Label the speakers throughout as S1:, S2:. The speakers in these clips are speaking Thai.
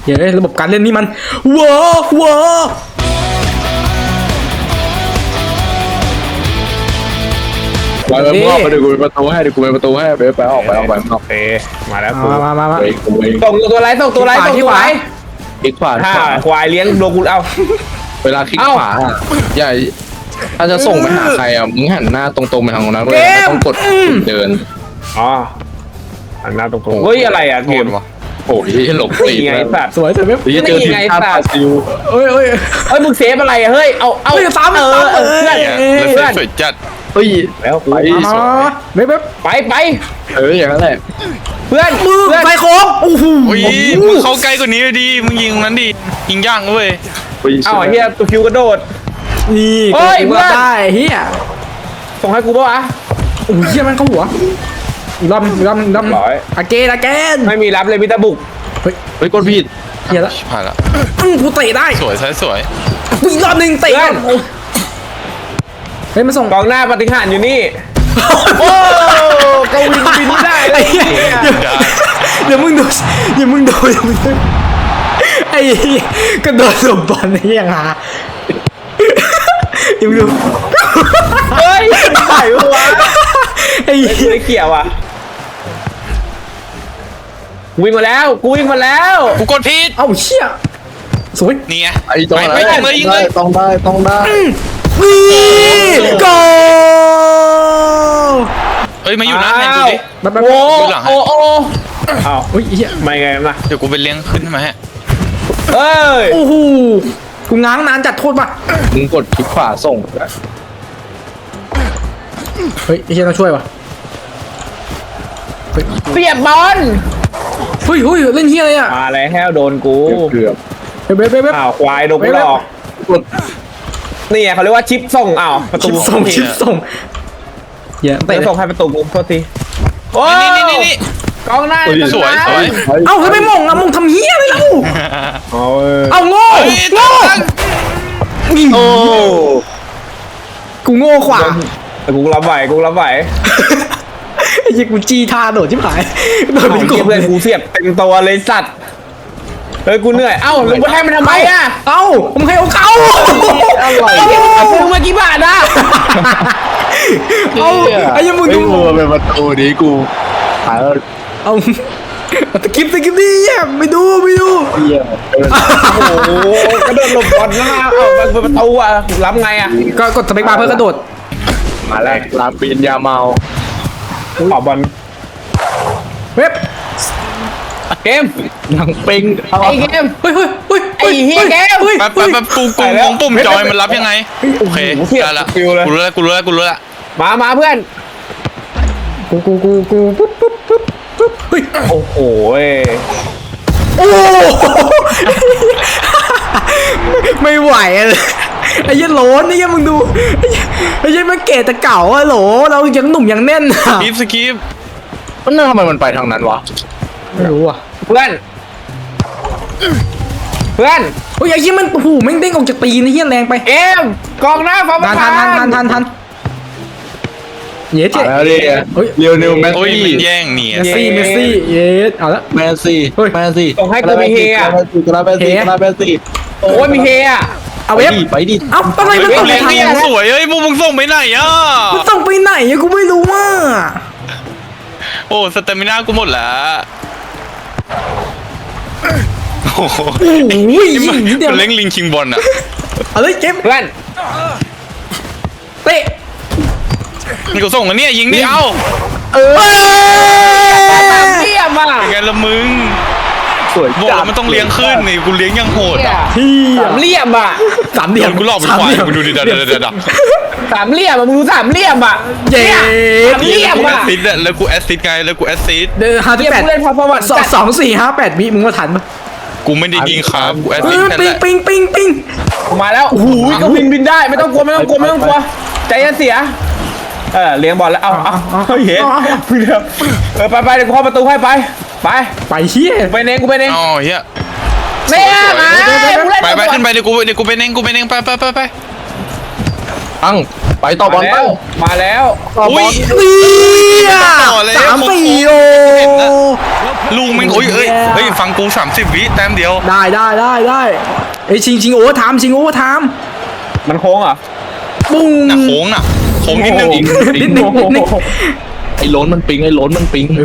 S1: เฮ้ยระบบการเล่นนี่มันว้าว
S2: ไปเดี๋ยวกูไปประตูให้ไปออก
S3: โอเคมาแล้วกู
S1: มา
S2: ไปกูเอง
S3: ส่งตัวไรส่งตัวไรส่งตัวไร
S2: คลิกขวา
S3: ถ้าควายเลี้ยงโดกูเอา
S2: เวลาคลิกขวาอย่าถ้าจะส่งไปหาใครอ่ะมึงหันหน้าตรงๆไปทางนั้นเลยต้องกดเดิน
S3: อ๋ออันหน้าตรงๆเฮ้ยอะไรอ่ะเกม
S2: โอ้ยหลบตี
S3: นี่ไงสัตว์
S1: สวยเว็บ
S2: เจอทีมชาติบราซิล
S1: เอ้ย
S3: เฮ้ยมึงเซฟอะไรอ่ะเฮ้ยเอาเพื่อน
S4: แล้วสวยจัด
S2: เฮ้ย
S3: แล้วไป
S1: มาเว็บ
S3: ไป
S2: อย่างนั้นแหละ
S3: เพื่อน
S1: มือไฟโค้งโอ้โห
S4: อุ้ยมึงเข้าใกล้กว่านี้ดิมึงยิงตรงนั้นดิยิงย่างเว้ย
S3: เอ้าเฮียตัวคิวกระโดด
S1: นี่
S3: เฮ้ยเพื่อน
S1: ได้เฮีย
S3: ส่งให้กูป่ะวะ
S1: โอ้ยเฮียมันเข้าหัวอีกรอบ
S3: ร้อย
S1: อาเกน
S3: ไม่มีรับเลยมิตาบุก
S2: เฮ้ยกดผิด
S1: เฮียละ
S4: ชิบหายละ
S1: กูเตะได้
S4: สวยสวย
S1: กูอีกรอบหนึ่งเตะเฮ้ยมาส่ง
S3: กองหน้าปฏิหารอยู่นี่โอ้กวินบินไม่ได้เล
S1: ไอ้
S3: ย
S1: เหี้ยเดี๋ยวมึงดูไอ้กระโดดหลบบอลไอ้ยังหาอย่ามึงดู
S3: เฮ้ยใส่หัว
S1: ไอ้
S3: ไม่เกี่ยวอ่ะวิ่งมาแล้วกูวิ่งมาแล้ว
S4: กูกดผิด
S1: เอ้าเชี่ยสวย
S4: นี่ไง
S2: ไอ้ตรงนั้นต้องได้
S1: นี่โก
S4: เฮ้ยมาอยู่หน้าแทนกูดิ
S3: โอ้
S4: ดูหลังให้
S3: โอ้อ้าว
S1: เฮ้ยเฮีย
S3: ไม่ไงนะ
S4: เดี๋ยวกูไปเลี้ยงขึ้นใช่ไหมฮะ
S3: เฮ้ย
S1: โอ้โหกูง้างนานจัดโทษป่ะ
S2: มึงกดคลิกขวาส่ง
S1: เฮ้ยไอ้เฮียต้องช่วยป่ะ
S3: เปียบบอล
S1: เฮ้ยเล่นเฮียอะไรอ่ะ
S3: มาแล้วโดนกู
S2: เกือบ
S1: เว็บ
S3: อ้าวควายโดนกูหลอก
S2: กด
S3: นี่เขาเรียกว่าชิปส่งอ้าวประตู
S1: ชิปส่งเฮีย
S3: เตะ
S1: เตะ
S3: ส่งให้ประตูกูโทษทีโอ้
S4: นี่
S3: กองหน้า
S4: สวย
S1: เอ้าเฮ้ยไม่มองอะมองทำเฮียอะไรเล่า
S3: โอ้
S1: เอ้าโง่
S4: เฮ้ยตั้ง
S3: โอ้
S1: กูโง่กว่า
S3: แต่กูรับไหว
S1: ไอ้ยี่กูจี้ท่าโดดชิบหายโดดเป็นก
S3: เพื่
S1: บ
S3: อนกูเสียบเต็มตัวเลยสัตว์เฮ้ยกูเหนื่อยเอ้าแล้วกูให้มันทำไมอ่ะ
S1: เอ้าผมให้เขา
S3: อร่อยซื้อมากี่บาทอ่ะ
S1: เอ้าไอ้ยังมึง
S2: ไอ้
S1: ดู
S2: มือเป็นประตูนี้กูหาย
S1: เอาตะกิบดิไม่ดู
S2: เหี้ย
S3: โอ้โหกระโดดหลบบอลนะเอ้ามันประตูอ่ะรับไงอ่ะ
S1: ก็กดสเปคบาร์เพื่อกระโดด
S2: มาแล้วลาปีนยาเมา
S3: ขอบอล
S1: เว็บ
S3: เกม
S2: หนังปิง
S3: ไอ้เกม
S1: เฮ้ย
S3: ไอ้เหี้ยแก
S4: แป๊บกูงงปุ่มจอยมันรับยังไงโอเคได้ละกูรู้ละ
S3: มาเพื่อน
S1: กูปุ๊บเฮ้ย
S3: โอ้โห
S1: โอ้ไม่ไหวเลยไอ้ยันโหลนไอ้ยันมึงดูไอ้ยันมันเกตแต่เก่าอะโหลเรายังหนุ่มยังแน่นอะ
S4: สกิป
S2: มันทำไมมันไปทางนั้นวะ
S1: ไม่รู้อ่ะ
S3: เพื่อน
S1: โอ้ยไอ้ยันมันโอ้โหแม่งเด้งออกจากตีนไอ้ยันแรงไป
S3: เกมกองหน้าฟ้าประธาน
S1: ทันเย้เจ๊
S2: แล้วดิเรียวนิวแมส
S4: โอ้ย
S2: ซี่
S4: มันแย่งนี่
S1: เมสซี่เย้เอาละ
S2: แมสซี่
S3: ส่งให้กูมีเฮีย
S2: กราแมสซี่
S3: โอ้ยมีเฮีย
S1: เอาเว็บ
S2: ไปดิ
S1: เอาอะไรมันส่ง
S4: เลี้ยง
S1: ทาง
S4: นี่ยังสวยเฮ้ยมึงส่งไปไหนอ่ะ
S1: มันส่งไปไหนอะกูไม่รู้ว่า
S4: โอ้สเตมิน่ากูหมดแล้วโอ้โห
S1: โอ้ย
S4: นี่มัน
S1: นิดเดียว
S4: เลี้ยงลิงคิงบอลอ่ะ
S1: เอาเลยเก็บ
S3: เพื่อน
S1: เตะ
S4: นี่กูส่งอันนี้ยิงดิเอ้า
S3: เยี่ยมอ่ะ
S4: ไงละมึง
S2: สวย
S4: บอกแล้วมันต้องเลี้ยงขึ้นนี่กูเลี้ยงยังโหดอ่ะ
S1: ที่
S3: สามเหลี่ยมอ่ะ
S1: สามเหลี่ยม
S4: กูหลอกเป็นควายกูดูดิเดี๋ยว
S3: สามเหลี่ยมอ่ะมึงดูสามเหลี่ยมอ่ะ
S1: เย้
S3: สามเหลี่ยม
S4: กูแอ
S3: อ่ะ
S4: สซิดอะแล้วกูแอสซิดไงแล้วกูแอสซิด
S1: เดี๋ยวห้า
S3: เยี่
S1: ที่
S3: ยม
S1: แปด
S3: ผู้เล่นพอประวัติ
S1: 2 4 5 8วิมึงมาทันปะ
S4: กูไม่ได้ยิงครับกูแอสซิดแค่
S1: ปิ
S4: แห
S1: ง
S4: ละ
S1: ปิง
S3: มาแล้วโอ้โหก็บินได้ไม่ต้องกลัวใจเสียเลี้ยงบอลแล้วเอาเฮ้ยเฮ้ยไปเดี๋ยวกูเข้าประตูให้ไป
S1: เฮีย
S3: กูไปเอง
S4: อ๋อเฮีย
S3: เนี่ยมา
S4: ไปขึ้นไปเดี๋ยวกูไปเองไป
S2: ตั้งไปต่อบอลไป
S3: มาแล้ว
S4: อุ้ย
S1: เนี่ย
S4: ต่อเลย
S1: 3-4โอ
S4: ลูกแม่งโอ้ยเฮ้ยฟังกู30 วิแต้มเดียว
S1: ได้ไอ้ยชิงโอเวอร์ไทม์
S3: มันโค้งเหรอ
S1: ปุ้ง
S4: น่ะโค้งนิดนึง
S1: นิดนึง
S2: ไอ้โล้นมันปิงเฮ้ยมันปิง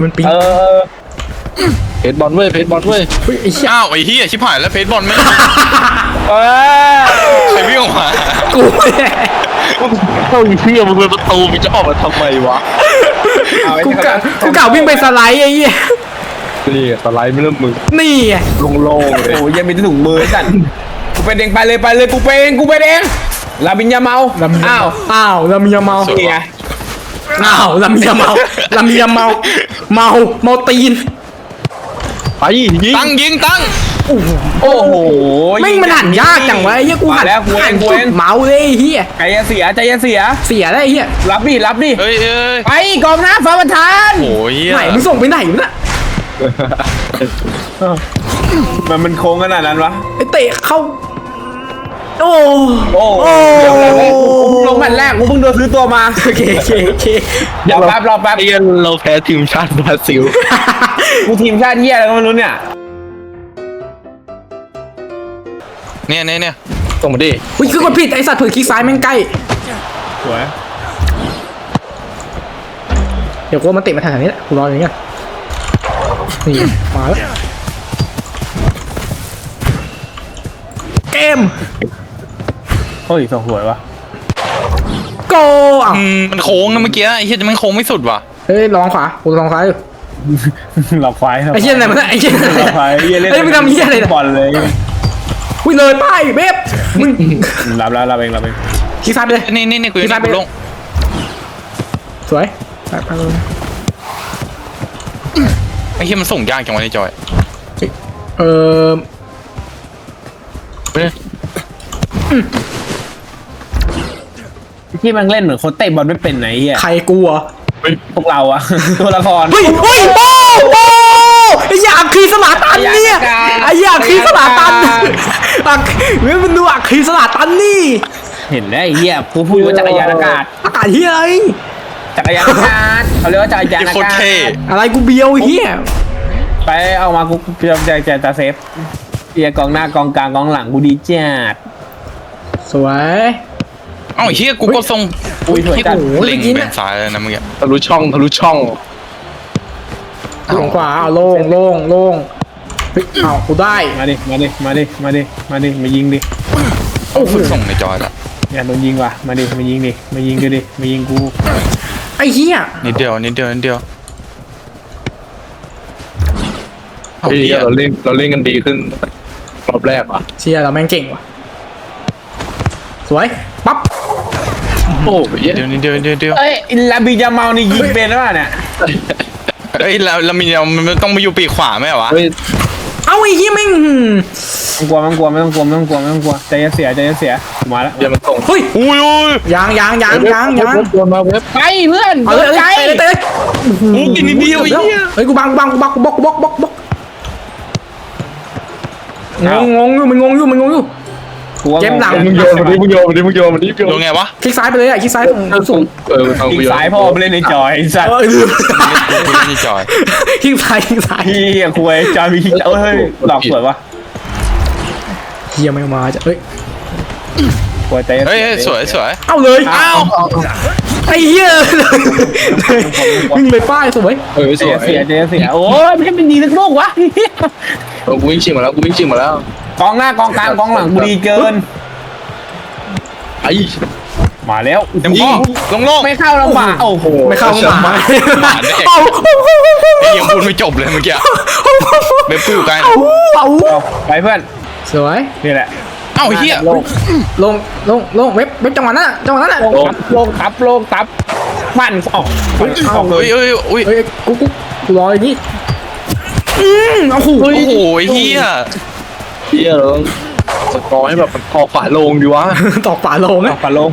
S2: เพจบอลเว้ย
S1: เฮ้ยไอ้เหี้ย
S4: อ้าวไอ้เหี้ยชิบหายแล้วเพจบอลไม่
S3: เออ
S4: ใครวิ่งออกมา
S1: กูเนี่ย
S2: เข้าอีเพี้ยมึงเป็นประตูมึงจะออกมาทำไมวะ
S1: กูกะวิ่งไปสไลด์ไอ้เหี้ย
S2: นี่สไลด์ไม่เริ่มมึง
S1: นี่ไง
S2: โล่งๆเลย
S3: โอ้ยยังมีถุงมือสั่นกูเป็นเองไปเลยกูเป็นเองลาบินยาเมาอ้าว
S1: ลามียาเมา
S3: นี่ไง
S1: ลามียาเมาเมาตีน
S2: ไปยิง
S4: ตั้งยิงตั้ง
S3: โอ้โห
S1: ไม่งมันหันยากจังวะไอ้เหี้ยกูหัน
S3: มาแล้วกูเอง
S1: จุดเมาส์เลยไอ้เหี้ย
S3: ใจเสีย
S1: เสียได้ไอ้เหี้ย
S3: รับดิ
S4: เฮ้ย
S3: ไปกองหน้าฟ้าประธาน
S4: โอ้ย
S1: ไหนมึงส่งไปไหนวะน่ะ
S3: มันโค้งขนาดนั้นวะ
S1: ไอ้เตะเข้าโอ้
S3: เดี๋ยวเลยกูลงแมตช์แรกกูเพิ่งโดนซื้อตัวมา
S1: โอเค
S3: รอแป๊บ
S2: เรียนเราแพ้ทีมชาติบราซิล
S3: กูทีมชาติเหี้ยอะไรก็ไม่รู้เนี่ย
S4: เนี่ย
S2: ส่งมาดิ
S1: อุ้ยคือกดผิดไอ้สัตว์เผื่อคลิกซ้ายแม่งใกล้
S3: สวย
S1: เดี๋ยวกูมันเตะมาทางนี้แหละกูรออย่างเงี้ยนี่มาแล้วเกม
S3: โอ้ยส่งสวยวะ
S1: โกอ่ะ
S4: มันโค้งนะเมื่อกี้ไอ้เหี้ยมันโค้งไม่สุดว่ะ
S1: เฮ้ยลองขวากูลองซ้ายอยู่
S3: หลอกควาย
S1: ไอ้เหี้ยอะไรมันไอ้เหี้ย
S3: หลอกควายเหี้ยเล่น
S1: ไอ้ยมึงทำเหี้ยอะไรเนี่ย
S3: บอลเลย
S1: อุ้ยเลยป้ายเบบมึง
S3: รับเอง
S1: คลิกซ้ายไปเลย
S4: นี่กูยังไม่ลง
S1: สวยไปเลย
S4: ไอ้เหี้ยมันส่งยากจังวะในจอย
S1: เออ
S3: ที่มันเล่นเหมือนคนเตะบอลไม่เป็นไหนเหี้ย
S1: ใครกูเหรอ
S3: พวกเราอะ ตัวละคร
S1: เฮ้ยโอ้ไอ้ยาคีสลาตันเนี่ยไอ้ยาคีสลาตันเฮ้ยมันดูอักคีสลาตันนี่
S3: เห็นแล้วไอ้เหี้ยพูดว่าจักรยานอากาศ
S1: อากาศเฮียอะไร
S3: จักรยานอากาศเขาเรียกว่าจักรยาน
S4: ไอ้
S3: อา
S4: โคตร
S3: กาศ
S4: เท่
S1: อะไรกูเบียวเฮีย
S3: ไปเอามากูจะเซฟเอียกองหน้ากองกลางกองหลังกูดีจัด
S1: สวย
S4: เอ้าไอ้เหี้ยกูก็ส่ง
S3: อุ้ยสวย
S4: ที่
S3: จัด
S4: กูเล็งเป็นซ้ายเลยนะเมื่อกี้
S2: ทะลุช่อง
S1: ลงขวาเอาโล่งเฮ้ยเอากูได้
S3: มาดิมายิงดิ
S4: โอ้โหส่งในจอยละ
S3: อย่าโดนยิงว่ะมายิงกู
S1: ไอ้เฮีย
S4: นิดเดียวเอา
S2: เฮ้ย
S4: เหี้ย
S2: เราเล่นกันดีขึ้นรอบแรกว่ะ
S1: เชียเราแม่งเก่งว่ะสวยปั๊บ
S2: โอ้ย
S4: เดี๋ยว
S3: เอ้ยลาบิยาเมานี่ยิงเป็นหรือเปล่าเนี่ย
S4: เฮ้ยแล้วมันต้องมาอยู่ปีกขวาไหมวะ
S2: เฮ้ย
S1: เอาไอ้เฮียแม่ง
S3: ไม่ต้องกลัวใจเสียมาแล้ว
S2: เดี๋ยวมันส่ง
S1: เฮ้ย
S4: อุ้ย
S1: ยาง
S2: โดนมาเว็บ
S3: ไปเพื่อน
S1: เอาเลย
S3: ใจ
S1: เตะ
S4: อุ้ยนิดเดียวไอ้เหี้ย
S1: เฮ้ยกูบังบล็อกงงอยู่ เกมหลัง
S2: มึงโยนมันดิ
S4: โดนไงวะ
S1: คลิกซ้ายไปเลยอ่ะคลิกซ้ายสูง
S2: ทาง
S3: อี
S2: กู
S3: ก
S2: โยน
S3: สายพ่อไปเล่นในจอยสัตว์
S1: ลืม
S4: กูเล่นในจอย
S1: คลิกซ้าย
S3: พี่คุยจอยมีเฮ้ยหลอกสวยวะ
S1: เฮียไม่มาจะเฮ้ย
S3: คุยใจ
S4: เฮ้ยสวย
S1: เอาเลย
S3: อ้าว
S1: ไอ้เหี้ยวิ่งเลยป้ายสวย
S3: ใจเสียโอ้ยไม่ใช่เป็นดีสักลูกวะ
S2: กูวิ่งชิงมาแล้ว
S3: กองหน้ากองกลางกองหลังกูดีเกิน
S2: ไอ้
S3: มาแล้ว
S4: เต็มที่ลง
S3: ไม่เข้าลำบากโอ้โห
S1: ไม่เข้าหมา
S4: ไอ้ยังพูดไม่จบเลยเมื่อกี้เว็บกูอยู่ไกล
S1: เอา
S3: ไปเพื่อน
S1: สวย
S3: นี่แหละ
S4: เอ้าเหี้ย
S1: ลงเว็บจังหวะนั้นอ่ะ
S3: โลงตับมันออก
S4: เฮ้ย
S1: กูรออย่างนี้โอ้โห
S4: โอ้โหเหี้ย
S2: เฮียเราต้องสกอร์ให้แบบมันพอฝาลงดีวะ
S1: ตอกฝาโลง
S3: อ
S1: นะ
S3: อกปลาลง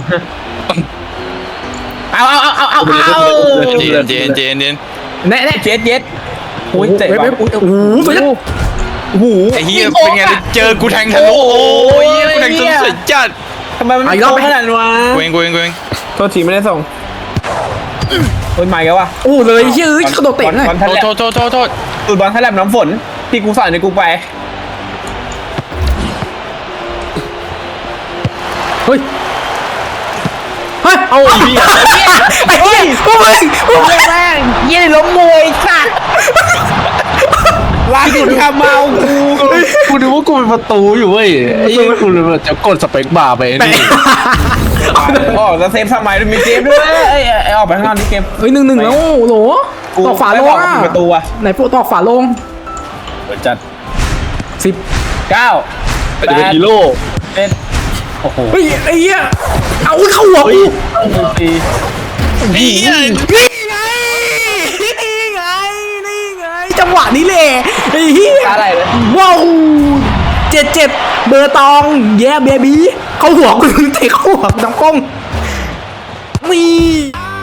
S3: เอา
S4: เจน
S1: แน่
S3: เจ็ดโอ้ยเจ็บ
S1: เว็บโอ้โหสวยจัง
S3: โอ้โห
S4: ไอ้เหี้ยเป็นไงเจอกูแทงทะลุโอ้ยกูแทงทะลุสุดจัด
S3: ทำไมมัน
S1: เอาอีกรอบ
S3: โก
S1: ไหม
S3: งขนาดนั้นวะ
S4: กูเองกูเองกูเอง
S3: โทษทีไม่ได้ส่งโอ้ยใหม่แล้ววะ
S1: โอ้เลยเฮ้ยกระโดดเตะหน่อย
S3: บอลทันแลบ
S4: โทษโทษ
S3: ตูดบอลทันแลบน้ำฝนที่กูใส่ในกูไป
S1: เฮ้ยเฮ้ย
S3: เอาอีก
S1: ไอ้เหี้ยพวกมึงพวกมึง
S3: แม่งยี่ล้มมวยสัตว์ลากคุณทำเมากู
S2: กูนึกว่ากูเป็นประตูอยู่เว้ยไอ้ยี่กูเลยจะกดสเปคบาร์ไปนี่
S3: อ๋อจะเซฟสมัยมีเกมด้วยไอ้ออกไปข้างนอกนี่เกม
S1: เฮ้ย1-1แล้วโหลตอกฝาโลงอ่ะ
S3: ประตูอ่ะ
S1: ไหนพวกตอกฝาโลง
S3: เปิดจัด
S1: 10
S3: 9
S2: จะเป็นฮีโร่
S3: เป็นโอ้โห
S1: เฮ้ยไอ้เหี้ยเอาเข้าหัวกู
S3: สี่
S4: ไอ้เหี้ย
S1: นี่ไงนี่ไงนี่ไงจังหวะนี้แหละไอ้เหี้ย
S3: อะไรเลย
S1: ว้าว77เบอร์ตองแย่เบบี้เข้าหัวกูเตะเข้าหัวกูน้ำกล้องนี่